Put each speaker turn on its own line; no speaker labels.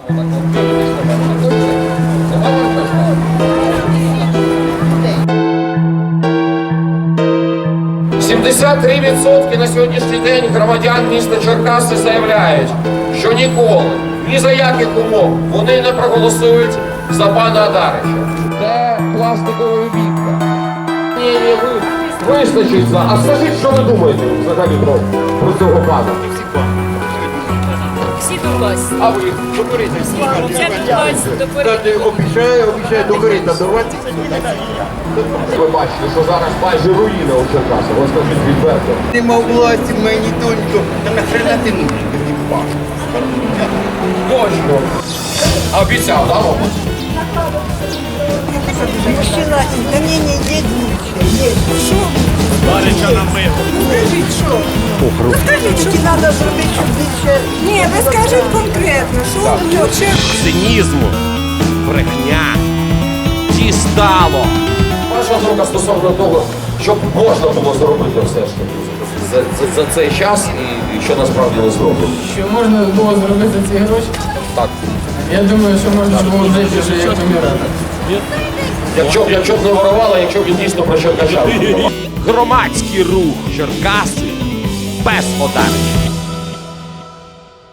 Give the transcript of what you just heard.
%73 на сьогоднішній день громадян міста Черкаси заявляють, що ніколи, ні за яких умов вони не проголосують за пана Адарича. Це пластикова вітка. Ні, вистачить за. А скажіть, що ви думаєте взагалі про цього пана?
Всі до вас.
А ви? Докоріться.
Це до вас, до порядку.
Обіцяє до корита давати.
Ви бачите, що зараз майже руїна у Черкасах. Ось скажіть відверто.
Нема власті, мені донько. Та нахрена ти нужен?
Точно. А обіцяв, да, мабуть?
Мужчина, ко мне не едет. Что?
Барича намив.
Скажіть, що? Ну, скажіть, що треба зробити, щоб більше... Ні, ви скажіть конкретно, що ви хочете?
Цинізму, брехня, дістало.
Ваша думка стосовно того, що можна було зробити все ж таки за цей час і що насправді не зроблено.
Що можна було зробити за ці гроші?
Так.
Я думаю, що можна було жити вже як помирати.
Якщо б не ворували, якщо б він дійсно про Черкащан.
Громадський рух Черкаси без Адарича.